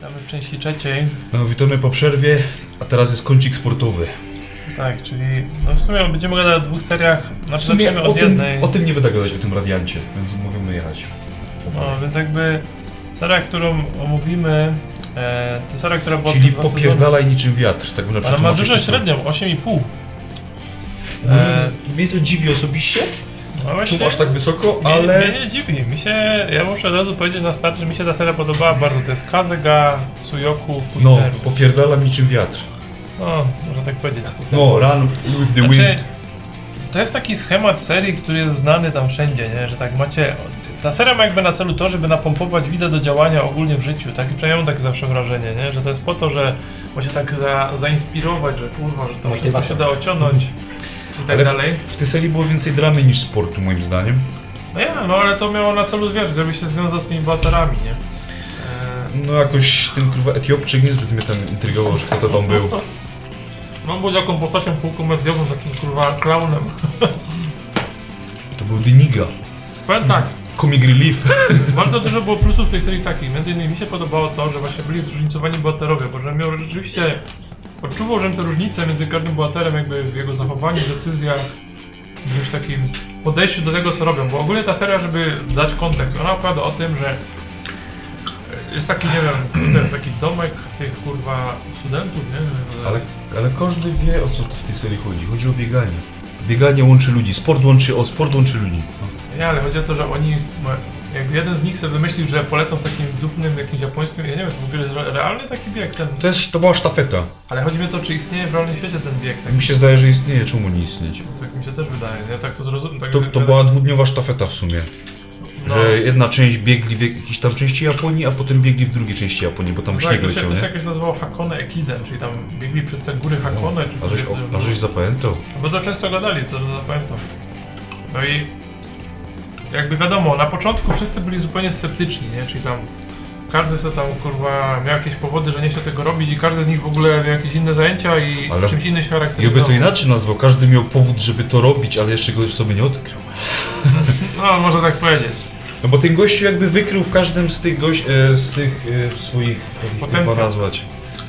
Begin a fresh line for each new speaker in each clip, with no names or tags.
Witamy w części trzeciej.
No, witamy po przerwie, a teraz jest kącik sportowy.
Tak, czyli no w sumie będziemy gadać o dwóch seriach.
W sumie
Zaczniemy od jednej.
o tym nie będę gadać, o tym Radiancie, więc możemy jechać.
No, więc jakby seria, którą omówimy, to seria, która była
Czyli
przez 2
popierdalaj niczym wiatr, tak bym na
sezony. Ale ma dużo średnią, 8,5.
Mnie to dziwi osobiście,
No właśnie,
czemu aż tak wysoko, ale...
Mnie nie dziwi, ja muszę od razu powiedzieć na start, że mi się ta seria podobała bardzo. To jest Kazega, Suyoku,
No,
Fuiteru.
popierdalam niczym wiatr.
No, można tak powiedzieć.
No, run with the
Znaczy,
wind.
to jest taki schemat serii, który jest znany tam wszędzie, nie? Że tak macie... Ta seria ma jakby na celu to, żeby napompować widzę do działania ogólnie w życiu, tak? I przynajmniej mam takie zawsze wrażenie, nie? Że to jest po to, że ma się tak zainspirować, że kurwa, że to wszystko się da ociągnąć i tak
Ale
dalej.
w tej serii było więcej dramy niż sportu, moim zdaniem.
No ja, no ale to miało na celu, wiesz, żeby się związał z tymi bohaterami, nie?
No jakoś ten kurwa Etiopczyk niezbyt mnie tam intrygował, że kto to tam był.
No był taką postacią półkomediową, takim kurwa klaunem.
To był Diniga.
Powiem tak,
Comic Relief.
bardzo dużo było plusów w tej serii takich. Między innymi mi się podobało to, że właśnie byli zróżnicowani bohaterowie, bo że miał rzeczywiście... Odczuwał, że te różnice między każdym bohaterem jakby w jego zachowaniu, decyzjach, w jakimś takim podejściu do tego, co robią. Bo ogólnie ta seria, żeby dać kontekst, ona opowiada o tym, że jest taki, nie wiem, to jest taki domek tych kurwa studentów, nie wiem jak to jest.
Ale każdy wie, o co to w tej serii chodzi. Chodzi o bieganie. Bieganie łączy ludzi, sport łączy ludzi. No.
Nie, ale chodzi o to, że oni, jakby jeden z nich sobie wymyślił, że polecą w takim dupnym, jakimś japońskim, ja nie wiem, to w ogóle jest realny taki bieg ten.
To była sztafeta.
Ale chodzi mi o to, czy istnieje w realnym świecie ten bieg. Tak,
Mi się zdaje, że istnieje, czemu nie istnieć.
tak mi się też wydaje, ja tak to zrozumiem. Tak,
To była dwudniowa sztafeta w sumie.
no.
Że jedna część biegli w jakiejś tam części Japonii, a potem biegli w drugiej części Japonii, bo tam
Tak,
śnieg
to się,
leciał,
to się
nie?
jakoś nazywało Hakone Ekiden, czyli tam biegli przez te góry Hakone. czy
A żeś zapamiętał?
Bo to często gadali, to zapamiętam. No i jakby wiadomo, na początku wszyscy byli zupełnie sceptyczni, nie? Czyli tam każdy sobie tam kurwa miał jakieś powody, że nie chciał tego robić i każdy z nich w ogóle miał jakieś inne zajęcia i
Ale
czymś innym się
Ja by
charakteryzował.
to inaczej nazwał, każdy miał powód, żeby to robić, ale jeszcze go sobie nie odkrył.
No, można tak powiedzieć.
No bo ten gościu jakby wykrył w każdym z tych swoich, jak ich
Potencjał.
kurwa nazwać,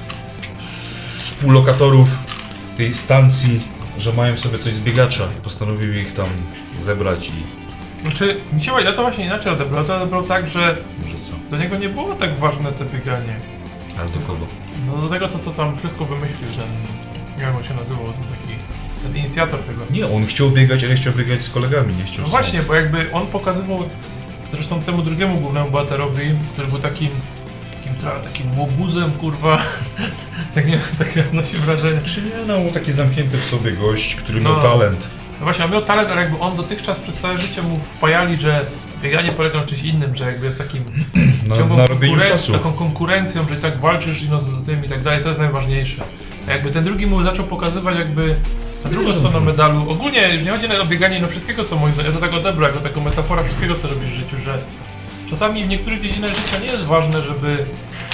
współlokatorów tej stacji, że mają w sobie coś z biegacza i postanowił ich tam zebrać i...
Znaczy, ja to właśnie inaczej odebrał. To odebrał tak, że
Może co?
do niego nie było tak ważne to bieganie.
Ale do kogo?
No do tego, co to tam wszystko wymyślił, ten, nie wiem jak on się nazywał, ten inicjator tego.
Nie, on chciał biegać, ale chciał biegać z kolegami, nie chciał
No
sam.
właśnie, bo jakby on pokazywał, zresztą temu drugiemu głównemu bohaterowi, który był takim trochę takim łobuzem, kurwa, tak nie wiem, takie odnosi wrażenie.
Czy nie, no taki zamknięty w sobie gość, który
No.
miał talent.
No właśnie, on miał talent, ale jakby on dotychczas przez całe życie mu wpajali, że bieganie polega na czymś innym, że jakby jest takim ciągłą
Na robieniu czasu.
taką konkurencją, że tak walczysz no, z tym i tak dalej, to jest najważniejsze. A jakby ten drugi mu zaczął pokazywać jakby na drugą stronę medalu. Ogólnie już nie chodzi o bieganie no wszystkiego, co moim zdaniem, ja to tak odebrał, jako taką metaforę wszystkiego, co robisz w życiu, że czasami w niektórych dziedzinach życia nie jest ważne, żeby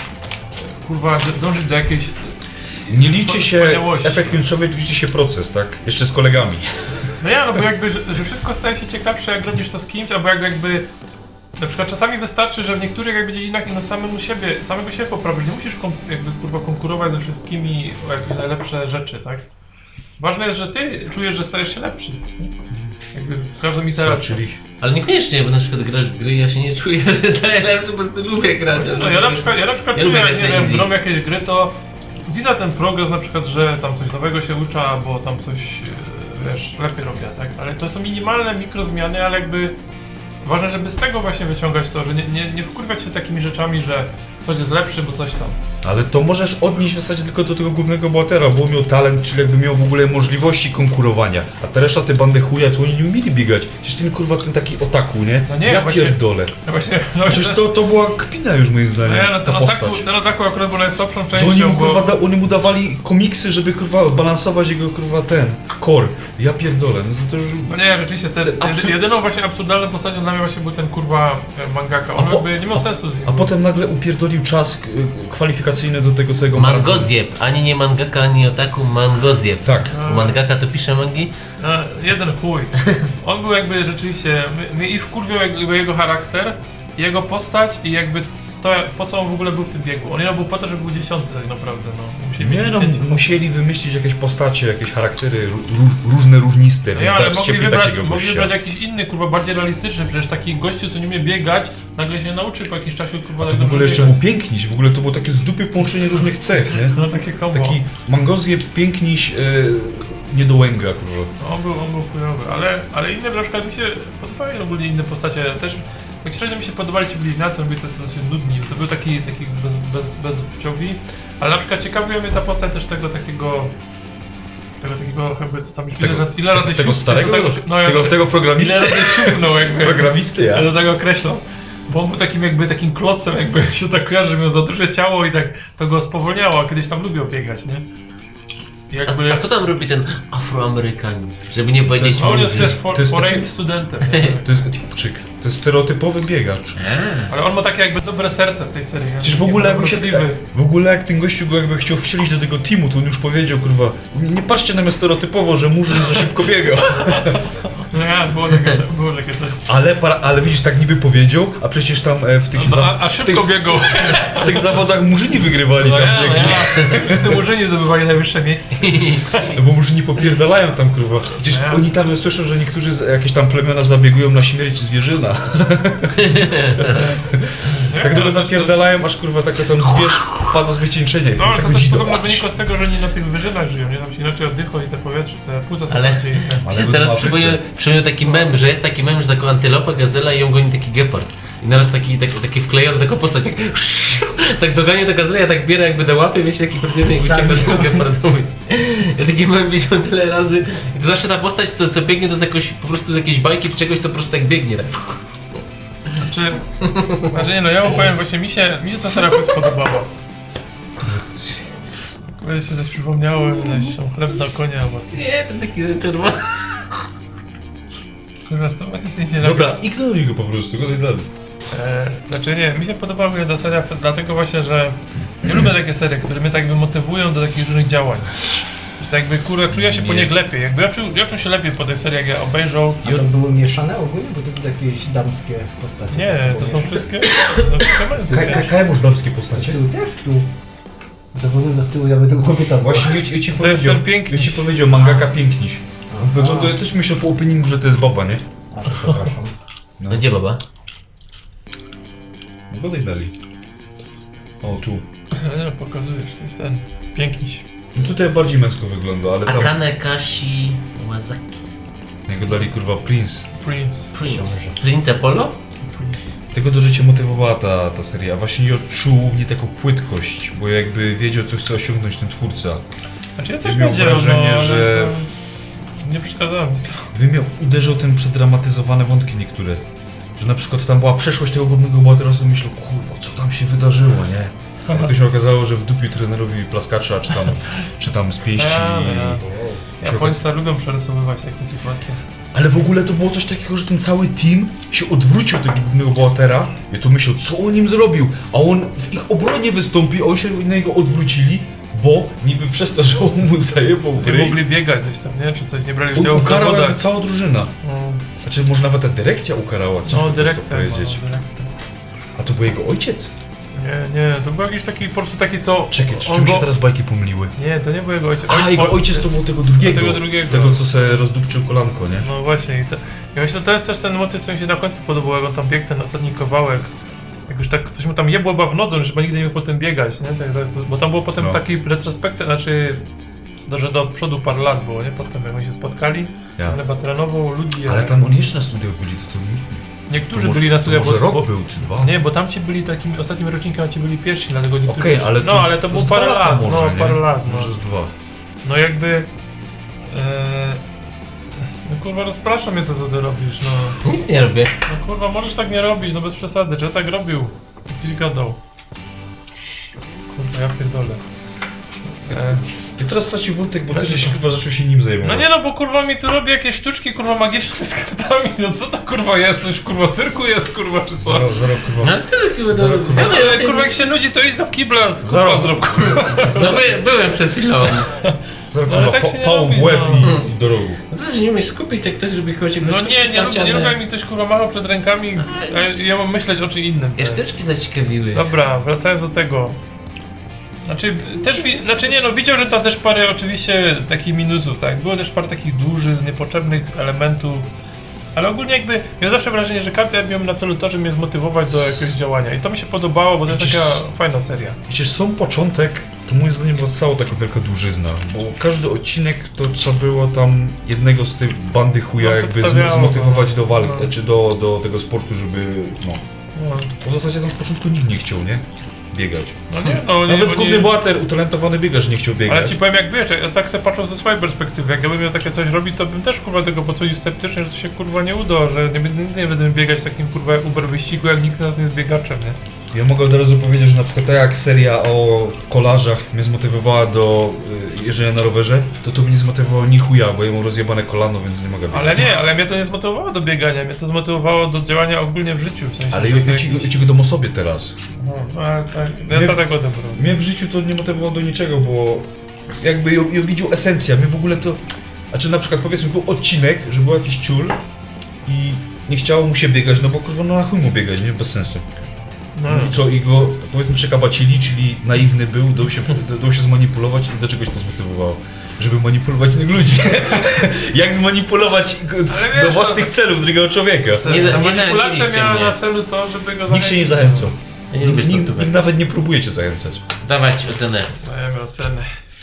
kurwa dążyć do jakiejś
Nie liczy się
wspaniałości.
efekt końcowy, liczy się proces, tak? Jeszcze z kolegami.
No ja, no bo jakby, że wszystko staje się ciekawsze, jak robisz to z kimś, albo jakby... Na przykład czasami wystarczy, że w niektórych jakby dziedzinach no samego siebie poprawisz. Nie musisz jakby kurwa konkurować ze wszystkimi o jakieś najlepsze rzeczy, tak? Ważne jest, że ty czujesz, że stajesz się lepszy. Jakby z każdą iteracją.
Czyli
Ale niekoniecznie, bo na przykład grać w gry, ja się nie czuję, że jest najlepszy, po prostu lubię grać. Ale
No ja na przykład
ja
czuję,
lubię
jak
grać
nie
na
wiem,
easy.
grom jakieś gry, to widzę ten progres na przykład, że tam coś nowego się uczy, albo tam coś, wiesz, lepiej robię, tak? Ale to są minimalne mikrozmiany, ale jakby ważne, żeby z tego właśnie wyciągać to, że nie wkurwiać się takimi rzeczami, że coś jest lepszy, bo coś tam.
ale to możesz odnieść w zasadzie tylko do tego głównego bohatera, bo on miał talent, czyli jakby miał w ogóle możliwości konkurowania. A ta reszta, te bandy chuja, to oni nie umieli biegać. Przecież ten kurwa, ten taki otaku, nie?
No nie,
ja
właśnie-
pierdolę.
No właśnie, no
Przecież to była kpina już moim zdaniem,
no,
ta postać.
ten ataku akurat był najsłabszą
Że
częścią,
oni mu,
bo...
kurwa, oni mu dawali komiksy, żeby kurwa balansować jego kurwa ten core. Ja pierdolę, no to już...
No nie, rzeczywiście, jedyną właśnie absurdalną postacią dla mnie właśnie był ten kurwa mangaka. On jakby nie miał sensu z nim.
A potem nagle upierdolił czas kwalifikacyjny do tego całego maratonu.
Mangozieb, ani nie mangaka, ani otaku, mangozieb.
Tak.
Bo mangaka to pisze mangi?
No, jeden chuj. On był jakby rzeczywiście, mnie i wkurwiał jakby jego charakter, jego postać i jakby to po co on w ogóle był w tym biegu? On był po to, żeby był 10 tak naprawdę, no. Musieli
Nie
mieć
no,
10.
musieli wymyślić jakieś postacie, jakieś charaktery różne, różniste,
No ja, ale
więc
mogli
dać
wybrać,
takiego
mogli
gościa.
wybrać jakiś inny, kurwa, bardziej realistyczny, przecież taki gościu, co nie umie biegać, nagle się nauczy po jakimś czasie, kurwa,
To
tak
w ogóle
dobrze
jeszcze
biegać.
był piękniś, w ogóle to było takie z dupy połączenie różnych cech, nie?
No takie kombo.
Taki mangozje, piękniś, niedołęga, kurwa.
No, on był chujowy, ale inne, na przykład mi się podobały ogólnie inne postacie, też tak średnio mi się podobali ci bliźniacy, byli też dosyć nudni, to był taki bezpłciowi, ale na przykład ciekawiła mnie ta postać też tego takiego jakby co tam już ile razy
Tego
siup-
starego?
no,
Tego programisty?
ile razy siupnął jakby.
Programisty, ja.
Ja do tego określam. Bo on był takim klocem, jakby się tak kojarzy, że miał za duże ciało i tak to go spowolniało, a kiedyś tam lubił biegać, nie? I jakby...
A co tam robi ten Afroamerykanin? Żeby nie powiedzieć
No, on
młody.
jest
to jest
foreign
taki-
studentem.
To jest Etiopczyk. To jest stereotypowy biegacz.
Ale on ma takie jakby dobre serce w tej serii. nie?
Przecież w ogóle jakby
Dobrotliwy.
w ogóle jak ten gościu go jakby chciał wcielić do tego teamu, to on już powiedział, kurwa, nie patrzcie na mnie stereotypowo, że murzyn za szybko biegał.
No ja, było takie coś.
Ale widzisz, tak niby powiedział, a przecież tam w tych,
No, a szybko biegał.
w tych zawodach murzyni wygrywali
No
tam
ja,
biegli.
Wszyscy murzyni zdobywali najwyższe miejsce.
No bo murzyni popierdalają tam, kurwa. Gdzieś
No ja.
oni tam słyszą, że niektórzy jakieś tam plemiona zabiegują na śmierć zwierzyna. Tak długo zapierdalają, aż kurwa taka tam zwierz pada z wycieńczenia.
No ale to
tak
też
dzidą.
podobno wynika z tego, że nie na tych wyżynach żyją, nie? Tam się inaczej oddychą i te powietrze, te płuca są
Ale-
bardziej...
Ale
Się
w
teraz
Afryce.
przypomniał taki mem, że jest taki mem, że taką antylopa, gazela i ją goni taki gepard. I naraz taki wklejony, taką postać, tak dogania do gazela, tak biera jakby do łapy, wiecie, taki pewnie i ucieka do gepardowi. Ja taki mem widziałem tyle razy i to zawsze ta postać, co biegnie, to jest jakoś, po prostu z jakiejś bajki czy czegoś, co po prostu tak biegnie. Tak.
Znaczy nie no, ja wam powiem, właśnie mi się ta seria spodobała. Kurde się coś przypomniało, jakiś chleb na konia albo coś.
Nie, ten taki czerwony.
Kurwa, to nic nie robi.
Dobra, ignoruj go po prostu, gadaj dalej.
Znaczy nie, mi się podobała ta seria dlatego właśnie, że nie lubię takie serie, które mnie tak jakby motywują do takich różnych działań. Że tak jakby kurde, czuję się po
Nie.
nich lepiej. Jakby ja czuł się lepiej po tej serii, jak ja obejrzał.
A to były mieszane ogólnie? Bo to były jakieś damskie postacie.
Nie, to są wszystkie męskie.
Kajmusz damskie postacie.
Tu też tu. To wygląda z tyłu, jakby to kobieta była.
Właśnie ja ci
To jest
powiedział,
ten piękniś.
ja ci powiedział, mangaka piękniś. Wygląda, ja też myślę po openingu, że to jest baba, nie?
A, to przepraszam.
No gdzie baba?
No gadaj dalej. O, tu.
No, pokazujesz, jest ten piękniś.
No tutaj bardziej męsko wygląda, ale tam
Akane Kashi Wazaki.
jego dali kurwa Prince.
Prince.
Prince Apollo?
Prince.
Tego do życia motywowała ta seria. Właśnie nie odczuł w niej taką płytkość, bo jakby wiedział, co chce osiągnąć ten twórca.
Znaczy ja też
miał
wiedziałem,
wrażenie,
ale
że-
to nie przeszkadzało mi to.
Uderzył ten przedramatyzowane wątki niektóre. Że na przykład tam była przeszłość tego głównego bohatera, sobie myślał, kurwa, co tam się wydarzyło, nie? A to się okazało, że wdupił trenerowi plaskacza, czy tam z pięści.
Japońcy lubią przerysowywać takie sytuacje.
Ale w ogóle to było coś takiego, że ten cały team się odwrócił od tego głównego bohatera i to myślał, co on im zrobił, a on w ich obronie wystąpi, a oni się na niego odwrócili, bo niby przez to, że on mu zajebał w
Nie
ryj,
mogli biegać coś tam, nie? Czy coś, nie brali
on
udziału w
ukarał jakby
zawodach.
cała drużyna.
No,
Znaczy, może nawet ta dyrekcja ukarała, ciężko
no
to
dyrekcja,
powiedzieć.
no, dyrekcja.
A to był jego ojciec?
Nie, to był jakiś taki, po prostu taki co...
Czekaj,
on
czy czym
go-
się teraz bajki pomyliły?
Nie, to nie był jego ojciec.
A, jego ojciec to był tego drugiego.
Tego drugiego.
Tego, co se rozdupczył kolanko, nie?
No właśnie, i myślę, to jest też ten motyw, co mi się na końcu podobał, jak on tam biegł ten ostatni kawałek. Jak już tak ktoś mu tam jebło chyba w nodze, że chyba nigdy nie mógł potem biegać, nie? Bo tam było potem
No.
taki retrospekcja, znaczy... Że do przodu parę lat było, nie? Potem jak oni się spotkali,
Ja.
ale chyba trenował ludzi.
Ale tam oni jeszcze na studiach byli, to
Niektórzy
może-
byli na
to
studiach,
może rok
bo,
był, czy dwa?
Nie, bo tam ci byli takimi ostatnim rocznikiem, a ci byli pierwsi, dlatego niektórzy...
Okej, ale
no, ale to było
z dwa
parę
lata
lat,
może,
no
nie?
parę lat, no.
Może z dwa.
No jakby... No kurwa, rozprasza mnie to, co ty robisz, no.
Nic nie robię.
No kurwa, możesz tak nie robić, no bez przesady, czy ja tak robił? Gdzieś gadał. Kurwa, ja pierdolę.
Jak teraz stracił wątek, bo też się kurwa zaczął się nim
No
zajmować.
nie no, bo kurwa mi tu robi jakieś sztuczki kurwa magiczne z kartami, no co to kurwa jest? Coś kurwa cyrku jest kurwa, czy co?
Zaraz
No
kurwa.
ale co takiego do...
Zaraz, kurwa.
Gadaj o
Ale
tym.
kurwa jak się nudzi, to idź do kibla, z kupa
Zaraz.
zrób kurwa.
Byłem przed chwilą.
Zaraz
No, ale
kurwa,
tak się nie
pałą w
robi,
łeb
no.
i do rogu.
Zaraz nie umiesz skupić, jak ktoś, żeby kogoś
No nie lubię jak mi ktoś kurwa machał przed rękami, a ja mam myśleć o czym innym.
Ja sztuczki zaciekawiły.
Dobra, wracając do tego. Znaczy nie no, widział, że tam też parę oczywiście takich minusów, tak? Było też parę takich dużych, niepotrzebnych elementów. Ale ogólnie jakby, miałem zawsze wrażenie, że karty miałem na celu to, żeby mnie zmotywować do jakiegoś działania. I to mi się podobało, bo to jest taka fajna seria.
Przecież sam początek, to moim zdaniem była cała taka wielka dłużyzna, bo każdy odcinek to trzeba było tam jednego z tych bandy chuja
No,
jakby
przedstawiało,
zmotywować do walki,
no.
czy do tego sportu, żeby no.
No,
Bo w zasadzie tam z początku nikt nie chciał, nie? Biegać.
no nie, no nie.
Nawet
bo
główny
nie,
bohater, utalentowany biegacz nie chciał biegać.
ale ci powiem jak wiesz, ja tak sobie patrząc ze swojej perspektywy, jak ja bym miał takie coś robić, to bym też kurwa tego podchodził sceptycznie, że to się kurwa nie uda, że nigdy nie będę biegać w takim kurwa uber wyścigu, jak nikt z nas nie jest biegaczem, nie?
Ja mogę od razu powiedzieć, że na przykład tak jak seria o kolarzach mnie zmotywowała do jeżdżenia na rowerze, to mnie nie zmotywowało ni chuja, bo ja mam rozjebane kolano, więc nie mogę biegać.
Ale mnie to nie zmotywowało do biegania, mnie to zmotywowało do działania ogólnie w życiu, w sensie.
Ale
że to
ja
jakiś-
ci go dam o sobie teraz.
No, ale tak, ja
Nie-
to tak odebrał.
Mnie w życiu to nie motywowało do niczego, bo jakby ją widział esencja, mnie w ogóle to... Znaczy na przykład powiedzmy był odcinek, że był jakiś ciul i nie chciało mu się biegać, no bo kurwa no na chuj mu biegać, nie? Bez sensu.
No.
I co, i go powiedzmy przekabacili, czyli naiwny był, dał się zmanipulować i do czegoś to zmotywowało. Żeby manipulować innych ludzi. Jak zmanipulować
Ale wiesz,
do własnych celów drugiego człowieka.
Nie
Manipulacja
zachęciliście
miała
mnie.
na celu to, żeby go
Nikt się nie zachęcał.
Ja nie lubię
Nikt
sportówek.
nawet nie próbuje cię zachęcać.
Dawać ocenę.
Dajemy ocenę.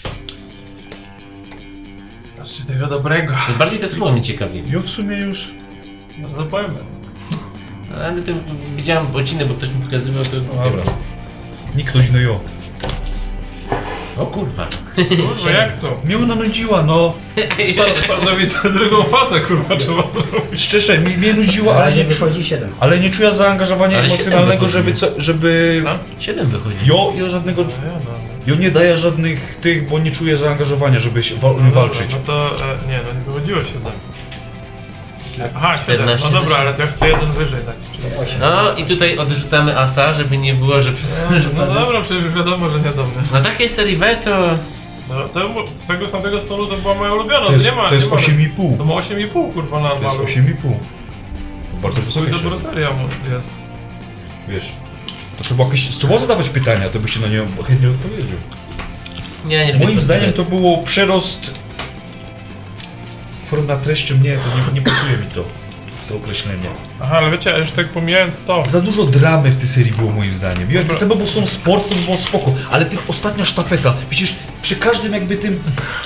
Znaczy tego dobrego.
Bardziej to słowo mnie ciekawi.
Ja w sumie już...
No to powiem.
Ale to widziałem odcinek, bo ktoś mi pokazywał, to
Dobra. Nikt ktoś no jo.
O kurwa.
Kurwa, jak to?
Mnie ona nudziła, no.
Stanowi to drugą fazę, kurwa, trzeba zrobić.
Szczerze, mnie nudziła,
Ale
ale
nie
nie,
wychodzi 7.
ale nie czuję zaangażowania
Ale
emocjonalnego,
siedem
żeby...
Co?
7 wychodzi.
Ja żadnego...
No, ja, no.
Ja nie daję żadnych tych, bo nie czuję zaangażowania, żeby się
No
walczyć.
Dobra, no to nie, no nie wychodziło 7. Aha, 7.
14
No dobra,
na
ale to ja chcę jeden wyżej dać. Czyli...
8.
No i tutaj odrzucamy asa, żeby nie było, że przez...
No dobra, przecież już wiadomo, że nie do mnie.
Na takiej serii B to...
No, to z tego samego stolu to była moja ulubiona.
To jest,
nie ma,
to jest
nie ma,
8,5.
To ma 8,5 kurwa na
To jest
malu.
8,5. Bardzo
To
wysokie
dobra
się.
seria jest.
Wiesz. To trzeba zadawać pytania, to by się na nie chętnie odpowiedział.
Nie lubię
Moim zdaniem
sportówek.
to było przerost form na treścią. Nie, to nie pasuje mi to określenie.
Aha, ale wiecie, już tak pomijając to.
Za dużo dramy w tej serii było moim zdaniem. Jakby to by było są sport, to by było spoko, ale tym ostatnia sztafeta, przecież przy każdym jakby tym...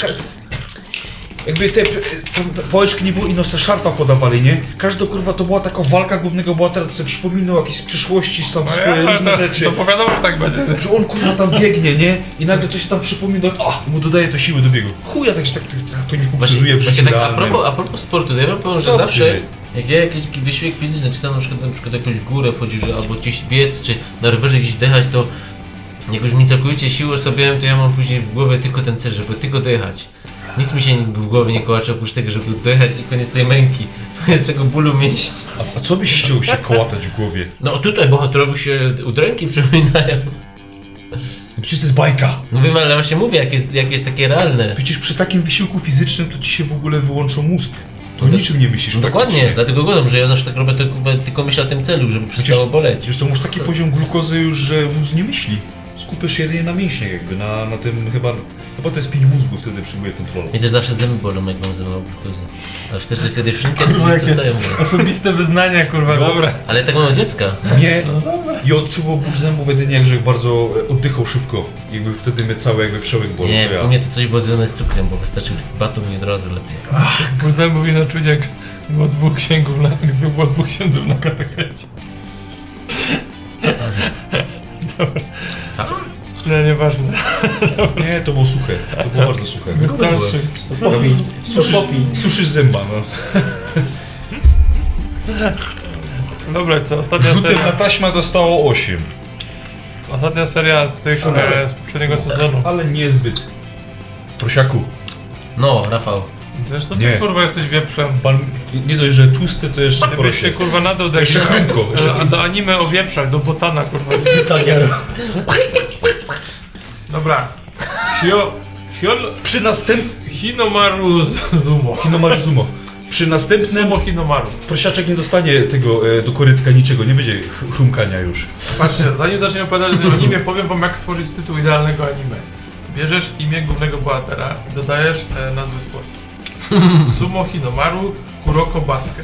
Jakby te pałeczki nie było i nos szarfa podawali, nie? Każda kurwa to była taka walka głównego bohatera, co sobie przypominał jakieś z przyszłości, tam
No
swoje
ja,
różne
to,
rzeczy.
to powiadomo, że tak będzie.
Że on kurwa tam biegnie, nie? I nagle to się tam przypomina, i mu dodaje to siły do biegu. Chuja, tak to nie funkcjonuje w życiu
tak,
realnym.
a propos sportu, to ja wam powiem, że
Co
zawsze
ty?
jak ja jakiś wysiłek fizyczny czytam na przykład jakąś górę wchodzi, że albo gdzieś biec, czy na rowerze gdzieś dechać, to jak już mi całkowicie siłę sobie, to ja mam później w głowie tylko ten cel, żeby tylko dojechać. Nic mi się w głowie nie kołacze oprócz tego, żeby dojechać i koniec tej męki. Koniec tego bólu mięśni.
A co byś chciał się kołatać w głowie?
No tutaj bohaterowi się udręki przypominają.
Przecież to jest bajka.
No wiem, ale właśnie mówię, jak jest takie realne.
Przecież przy takim wysiłku fizycznym to ci się w ogóle wyłączył mózg. To
No to-
niczym nie myślisz
No dokładnie,
praktycznie.
dlatego godam, że ja zawsze tak robię, tylko myślę o tym celu, żeby przestało boleć.
Przecież to masz taki poziom glukozy już, że mózg nie myśli. Skupiasz się jedynie na mięśniach jakby, na tym chyba to jest pięć mózgu wtedy przyjmuje kontrolę.
Mnie też zawsze zęby bolą, jak mam zębową glukozę. Ale wtedy szynkę
Kurwa,
już dostają.
Osobiste wyznania, kurwa,
No.
dobra.
Ale tak mam od dziecka.
Nie,
No dobra.
i odczuwał ból zębów jedynie jak że bardzo oddychał szybko. Jakby wtedy mnie cały jakby przełyk bolał.
Nie,
to ja.
u mnie to coś było związane z cukrem, bo wystarczył baton i od razu lepiej.
Ból mówi na czuć, jak było dwóch księdzów na katechecie.
Tak?
Nie, nieważne.
Nie, to było suche. To było bardzo suche.
Wystarczy.
Suszysz zęba, no.
Dobra, co? Ostatnia
Rzutem na
seria,
taśmę dostało 8.
ostatnia seria z tych z poprzedniego sezonu.
Ale niezbyt. Prosiaku,
No, Rafał.
Wiesz co,
Nie.
ty kurwa jesteś wieprzem.
pan nie dość, że tłusty, to jeszcze
Ty byś się
proszę.
kurwa nadał do,
Jeszcze Hanko, jeszcze
do anime o wieprzach, do Botana kurwa. Dobra.
Przy następnym...
Hinomaru Zumo.
Hinomaru Zumo. Przy następnym...
Sumo Hinomaru.
Prosiaczek nie dostanie tego do korytka niczego, nie będzie chrumkania już.
Patrzcie, zanim zaczniemy opowiadać o animie, powiem wam jak stworzyć tytuł idealnego anime. Bierzesz imię głównego bohatera, dodajesz nazwę sportu. Sumo Hinomaru Kuroko Basket.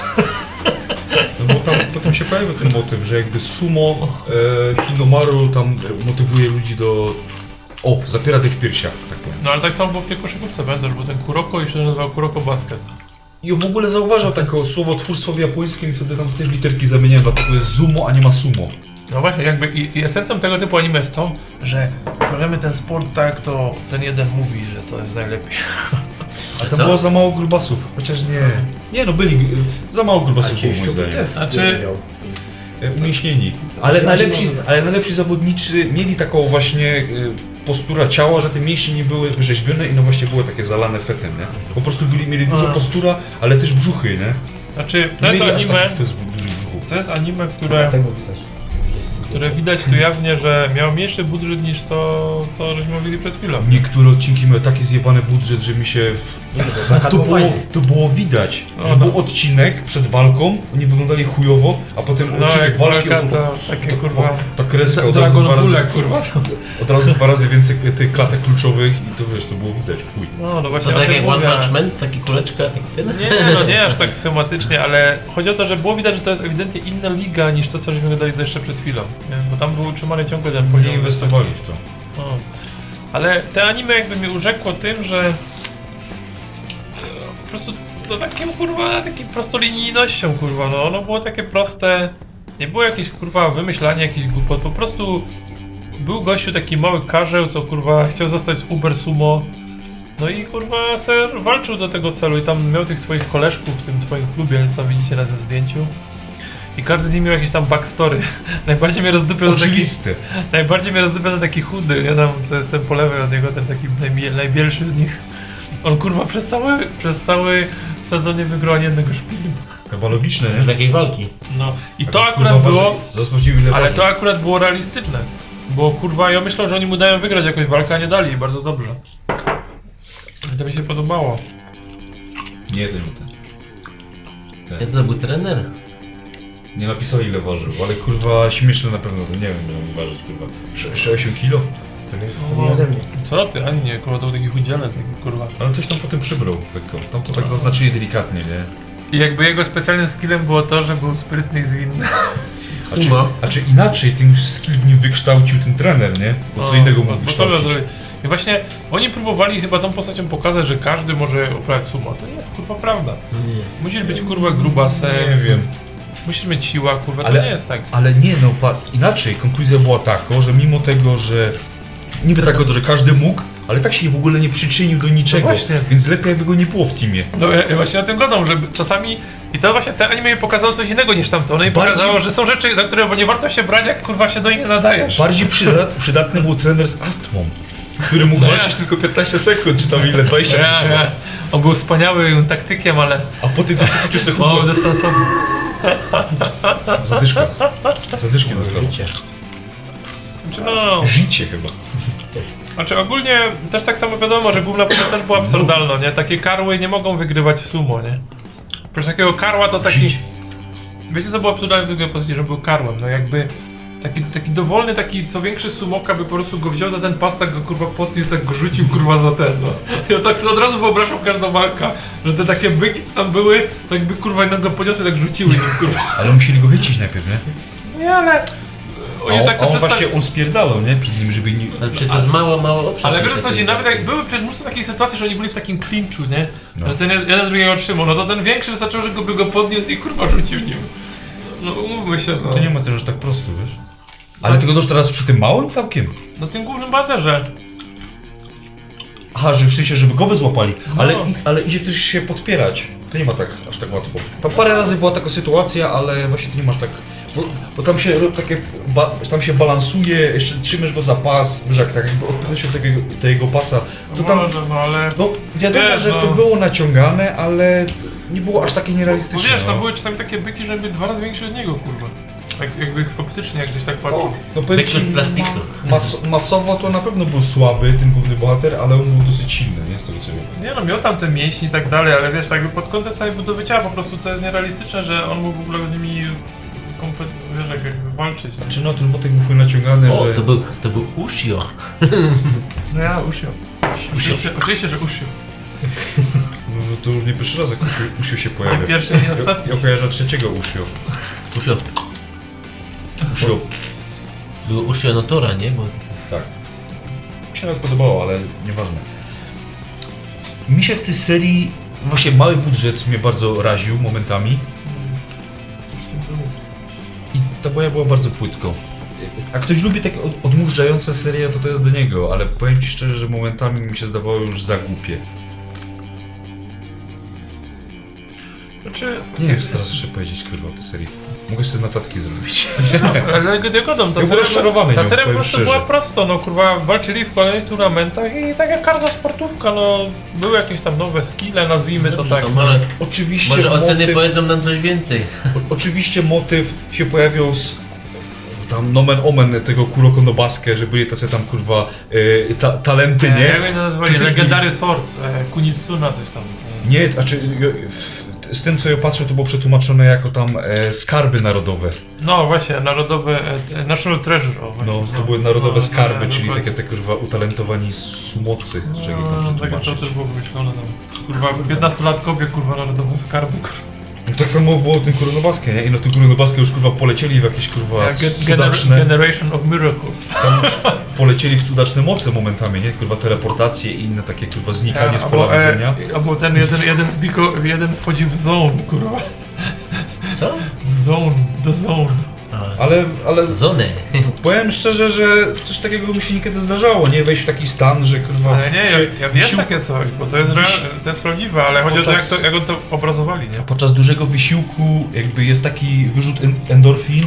No bo tam potem się pojawił ten motyw, że jakby sumo Hinomaru tam motywuje ludzi do... O, zapiera tych w piersiach, tak powiem.
No ale tak samo było w tej koszykówce, pamiętasz, bo ten Kuroko i się nazywał Kuroko Basket.
I w ogóle zauważał takie słowotwórstwo w japońskim i wtedy tam te literki zamieniają, dlatego jest zumo, a nie ma sumo.
No właśnie, jakby i esencją tego typu anime jest to, że uprawiamy ten sport tak, to ten jeden mówi, że to jest najlepiej.
A tam było za mało grubasów, chociaż nie. Nie no, byli za mało grubasów było moim zdaniem.
Znaczy-
Umięśnieni. Ale najlepsi zawodnicy mieli taką właśnie postura ciała, że te mięśnie nie były wyrzeźbione i no właśnie były takie zalane fetem, nie? Po prostu mieli dużo postura, ale też brzuchy, nie?
Znaczy, to
Nie
jest
mieli aż
anime,
taki fez dużych brzuchów.
to jest anime, które widać tu jawnie, że miało mniejszy budżet niż to, co żeśmy mówili przed chwilą.
Niektóre odcinki miały taki zjebany budżet, że mi się... To było widać, że był odcinek przed walką, oni wyglądali chujowo, a potem
No
odcinek
jak
walki...
walka to takie kurwa...
Ta kreska od razu,
Dragon Ball, kurwa.
od razu 2 razy więcej tych klatek kluczowych i to wiesz, to było widać w chuj.
No właśnie
To
o
tak
tym
jak One
mówię.
Punch Man, taki kuleczka, taki ten?
Nie, no nie aż tak schematycznie, ale chodzi o to, że było widać, że to jest ewidentnie inna liga niż to, co żeśmy dali jeszcze przed chwilą. Nie? Bo tam był utrzymany ciągle ten poziom.
Nie inwestowali w to.
No. Ale te anime jakby mnie urzekło tym, że po prostu no takim kurwa, takim prostolinijnością kurwa, no ono było takie proste, nie było jakieś kurwa wymyślanie jakichś głupot, po prostu był gościu taki mały karzeł, co kurwa chciał zostać z Uber Sumo, no i kurwa ser walczył do tego celu i tam miał tych twoich koleżków w tym twoim klubie, co widzicie na tym zdjęciu. I każdy z nich miał jakieś tam backstory. Najbardziej mnie rozdupiał
Oczywiste.
Najbardziej mnie rozdywa ten taki chudy, ja tam co jestem po lewej od niego, ten taki najbielszy z nich. On kurwa przez cały sezon nie wygrał ani jednego szpilu.
Chyba logiczne,
Już
nie?
takiej walki.
No i to akurat było,
Zasprawdziłem ile
ale
waży.
to akurat było realistyczne. Bo kurwa ja myślę, że oni mu dają wygrać jakąś walkę, a nie dali, bardzo dobrze. I to mi się podobało.
Nie, to nie ten.
To był trener.
Nie napisali ile ważył, ale kurwa śmieszne na pewno, to nie wiem ile mógł ważyć kurwa. 60 kilo? Tak jest.
No,
Nie ode mnie.
co ty, ani nie, kurwa to był taki chudzielec, taki kurwa.
Ale coś tam potem przybrał, lekko. Tam to tak zaznaczyli delikatnie, nie?
I jakby jego specjalnym skillem było to, że był sprytny i zwinny.
Sumo.
A czy inaczej ten skill w nim wykształcił ten trener, nie? Bo co innego mógł wykształcić.
I właśnie oni próbowali chyba tą postacią pokazać, że każdy może uprawiać sumo. To nie jest kurwa prawda.
Nie.
Musisz być kurwa grubasem.
Nie wiem.
Musisz mieć siła, kurwa, to
Ale-
nie jest tak.
Ale nie no, inaczej konkluzja była taka, że mimo tego, że niby tak, że każdy mógł, ale tak się w ogóle nie przyczynił do niczego,
No właśnie.
więc lepiej jakby go nie było w teamie.
No ja właśnie o tym gadam, że czasami... I to właśnie te anime mi pokazało coś innego niż tamto. Ono mi
Bardziej-
pokazało, że są rzeczy, za które nie warto się brać, jak kurwa się do nich nie nadajesz.
Bardziej przydatny był trener z astmą, który mógł
No ja.
walczyć tylko 15 sekund, czy tam ile, 20
Ja. On był wspaniałym taktykiem, ale
A po tych 15 sekundach
mało dystansowy.
zadyszka. Zadyszki dostał.
Życie.
Znaczy no...
Życie chyba.
Znaczy ogólnie też tak samo wiadomo, że główna postać też była absurdalna, nie? Takie karły nie mogą wygrywać w sumo, nie? Przecież takiego karła to taki...
Żyć.
Wiecie co było absurdalne w drugiej postaci, że był karłem, no jakby... Taki dowolny, taki co większy sumoka by po prostu go wziął za ten pas, tak go kurwa podniósł, tak go rzucił kurwa za ten, no. Ja tak sobie od razu wyobrażam każdą walkę, że te takie byki co tam były, to jakby kurwa jednego go podniosły, tak rzuciły nim kurwa.
Ale musieli go chycić najpierw, nie?
Nie, ale... Oni tak
A
to
on
przedstawi-
właśnie on spierdalał, nie? Przed nim, żeby nie...
Ale przecież to jest mało obszar.
Ale wiesz o co chodzi, nawet jak były przecież mnóstwo takich sytuacji, że oni byli w takim klinczu, nie?
No.
Że ten jeden drugiego trzymał, no to ten większy wystarczyło, że by go podniósł i kurwa rzucił nim. No umówmy się, no.
To nie ma też aż tak prosto, wiesz? Ale tylko też teraz przy tym małym całkiem.
No tym głównym baterze.
Aha, że w sensie, żeby go złapali.
No.
Ale idzie też się podpierać. To nie ma tak aż tak łatwo. Tam parę razy była taka sytuacja, ale właśnie to nie masz tak... Bo tam się takie... tam się balansuje, jeszcze trzymasz go za pas, wiesz jak tak jakby odpychasz się od tego jego pasa. To tam...
Może, no ale...
No wiadomo,
Wiesz,
że
no.
to było naciągane, ale nie było aż takie
Bo
nierealistyczne.
wiesz, tam
no.
były czasami takie byki, że były 2 razy większe od niego, kurwa. Tak jakby optycznie jak gdzieś tak patrzą.
No powiem
Piekło
ci,
z plastiku.
masowo to na pewno był słaby ten główny bohater, ale on był dosyć silny, nie? Z tego co wiem.
Nie no, miał tam te mięśnie i tak dalej, ale wiesz, tak jakby pod kątem samej budowy ciała po prostu to jest nierealistyczne, że on mógł w ogóle z nimi wiesz, jakby walczyć. Nie?
Czy no, ten wątek był naciągany,
O,
że...
to był Ushio.
No ja, Ushio. Oczywiście, że Ushio.
No, to już nie pierwszy raz, jak Ushio się
Nie
pojawia.
pierwszy, nie ostatni.
Ja kojarzę trzeciego Ushio.
Ushio.
Ushio.
Był Ushio Notora, nie? Bo...
Tak. Mi się nawet podobało, ale nieważne. Mi się w tej serii, właśnie mały budżet mnie bardzo raził momentami i ta boja była bardzo płytko. A ktoś lubi takie odmurzające serie, to jest do niego, ale powiem ci szczerze, że momentami mi się zdawało już za głupie.
Znaczy,
Nie wiem, co teraz jeszcze powiedzieć, kurwa, o tej serii. Mogę sobie notatki zrobić.
ale godą, ta
Ja byłem rozczarowany
ta
nią,
seria po
powiem
prostu
szczerze.
była prosto, no kurwa, walczyli w kolejnych turnamentach i tak jak każda sportówka, no były jakieś tam nowe skille, nazwijmy to
Dobrze,
tak.
to
no.
Oczywiście
może oceny
motyw,
powiedzą nam coś więcej.
oczywiście motyw się pojawiał z tam nomen omen tego Kuroko no Basque, że byli tacy tam kurwa talenty, nie?
Jak oni to nazywali?
To też
Legendary Swords, Kunitsuna coś tam.
Nie, znaczy z tym co ja patrzę to było przetłumaczone jako tam skarby narodowe.
No właśnie, narodowe, National Treasure, o właśnie.
No, to były narodowe skarby, czyli
dokładnie.
takie te kurwa utalentowani sumocy, czy jakieś tam
Tak, to
przetłumaczyć.
też było wymyślone tam. Kurwa, 15-latkowie, kurwa, narodowe skarby, kurwa.
No, tak samo było w tym Kuronobaskie, nie? I no w tym Kuronobaskie już kurwa polecieli w jakieś kurwa cudaczne...
Generation of Miracles.
Tam już polecieli w cudaczne moce momentami, nie? Kurwa teleportacje i inne takie kurwa znikanie z pola widzenia.
Albo ten jeden wchodzi w zone, kurwa.
Co?
W zone, the zone.
Ale
Zony.
powiem szczerze, że coś takiego mi się niekiedy zdarzało, nie? Wejść w taki stan, że kurwa...
Ale nie, jest
wysił-
takie coś, bo to jest, to jest prawdziwe, ale chodzi o to,
Podczas-
jak on to obrazowali, nie?
Podczas dużego wysiłku jakby jest taki wyrzut endorfin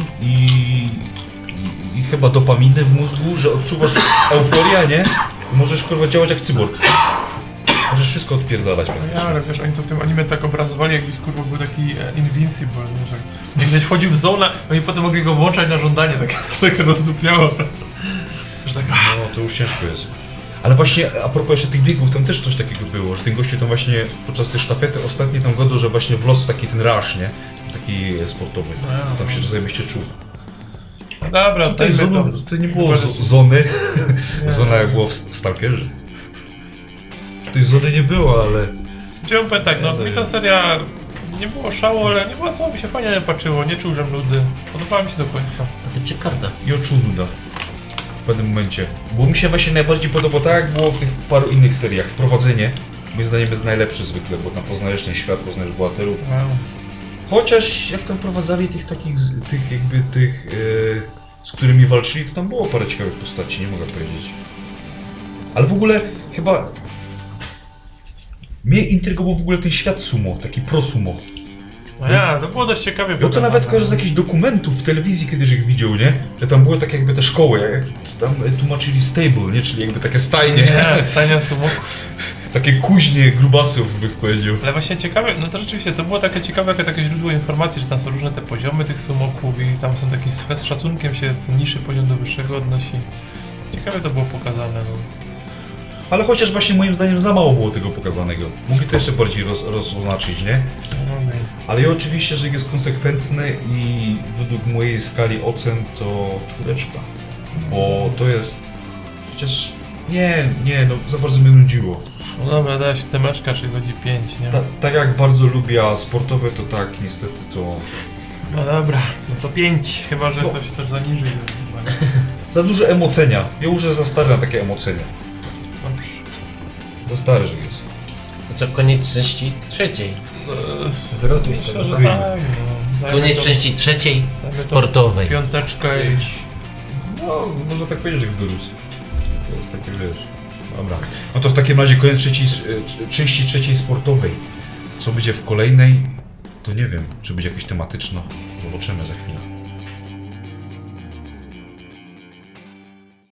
i chyba dopaminy w mózgu, że odczuwasz euforię, nie? I możesz kurwa działać jak cyborg. Możesz wszystko odpierdalać
Ja,
praktycznie.
ale wiesz, oni to w tym anime tak obrazowali, jakbyś kurwa był taki Invincible, nie? Że jak gdzieś wchodził w zonę, oni potem mogli go włączać na żądanie, tak rozdupiało to. Że tak,
No to już ciężko jest. Ale właśnie a propos jeszcze tych biegów, tam też coś takiego było, że ten gościu tam właśnie podczas tej sztafety ostatniej tam godał, że właśnie wlosł w taki ten rush, nie? Taki sportowy. To tam się zajebiście czuł.
dobra,
Tutaj,
zajmę
zonu, tutaj nie było zony. Zona jak było w Stalkerze. Tutaj zony nie było, ale...
Chciałem powiedzieć tak, no mi ta seria nie było szału, ale nie było co, mi się fajnie nie patrzyło, nie czułem nudy. Podobała mi się do końca.
A ty czy karta?
I oczuł nuda. W pewnym momencie. Bo mi się właśnie najbardziej podobało tak, jak było w tych paru innych seriach. Wprowadzenie, moim zdaniem, jest najlepsze zwykle, bo tam poznajesz ten świat, poznajesz bohaterów. Chociaż jak tam prowadzali tych takich, z którymi walczyli, to tam było parę ciekawych postaci, nie mogę powiedzieć. Ale w ogóle chyba... Mnie intrygował w ogóle ten świat sumo, taki pro sumo.
No ja, to było dość ciekawie.
Ja to nawet kojarzę z jakichś dokumentów w telewizji kiedyś ich widział, nie? Że tam były takie jakby te szkoły, jak tam tłumaczyli stable, nie? Czyli jakby takie stajnie.
Nie, stania sumo.
Takie kuźnie grubasów, bych powiedział.
Ale właśnie ciekawe, no to rzeczywiście to było takie ciekawe, takie źródło informacji, że tam są różne te poziomy tych sumoków i tam są taki z szacunkiem się ten niższy poziom do wyższego odnosi. Ciekawe to było pokazane, no.
Ale chociaż właśnie moim zdaniem za mało było tego pokazanego. Mogli to jeszcze bardziej rozoznaczyć, nie?
No,
Ale ja oczywiście, że jest konsekwentny i według mojej skali ocen to 4. Bo to jest... Chociaż... Nie, no za bardzo mnie nudziło.
no dobra, dała się temeczka, czyli chodzi 5, nie?
Tak jak bardzo lubię sportowe, to tak, niestety to...
No dobra, no to 5, chyba że
No.
coś zaniży. Chyba, nie?
Za dużo emocenia. Ja już za stary na takie emocenia.
Dobrze.
Za stary, że jest.
To co, koniec części trzeciej.
Wyrozuj z
Myślę,
tego,
że
tak?
tak, no. Dajmy
Koniec
to
części trzeciej
dajmy to
sportowej.
Piąteczkę i...
No, można tak powiedzieć, że wyrósł. To jest takie, wiesz... Dobra. No to w takim razie koniec części trzeciej sportowej. Co będzie w kolejnej, to nie wiem. Czy będzie jakieś tematyczne. Zobaczymy za chwilę.